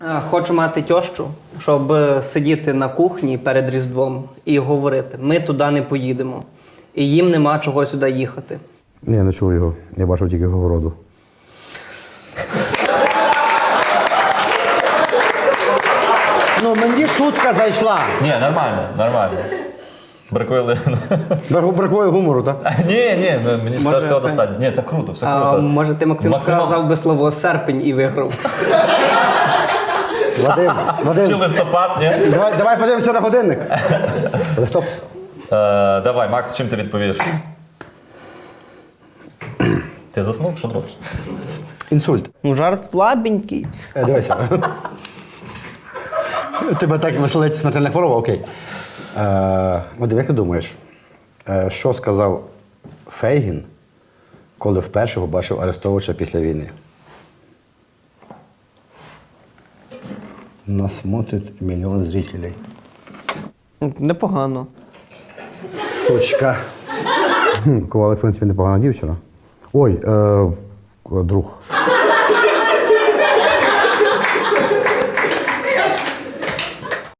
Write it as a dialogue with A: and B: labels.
A: Хочу мати тьощу, щоб сидіти на кухні перед Різдвом і говорити, ми туди не поїдемо. І їм нема чого сюди їхати.
B: Ні, я не чув його. Я бачив тільки Говороду.
C: Ну, мені шутка зайшла.
D: Ні, нормально, нормально. Бракує.
B: Бракує гумору, так?
D: Ні, мені
A: Може,
D: все
A: це-
D: достатньо. Ні, це круто, все
A: А
D: круто.
A: може ти, Максим, сказав би слово серпень і виграв?
B: Вадим,
D: Чи листопад, ні?
B: давай подивимося на годинник. Стоп.
D: Давай, Макс, чим ти відповіш? Ти заснув? Що ти робиш?
B: Інсульт.
A: Ну, жарт слабенький.
B: Дивися. Тебе так веселить смертельна хвороба, окей. Вадим, як ти думаєш, що сказав Фейгін, коли вперше побачив Арестовича після війни? Нас смотрить мільйон зрителей.
A: Непогано.
B: Сучка. Ковалик, в принципі, непогана дівчина. Ой, друг.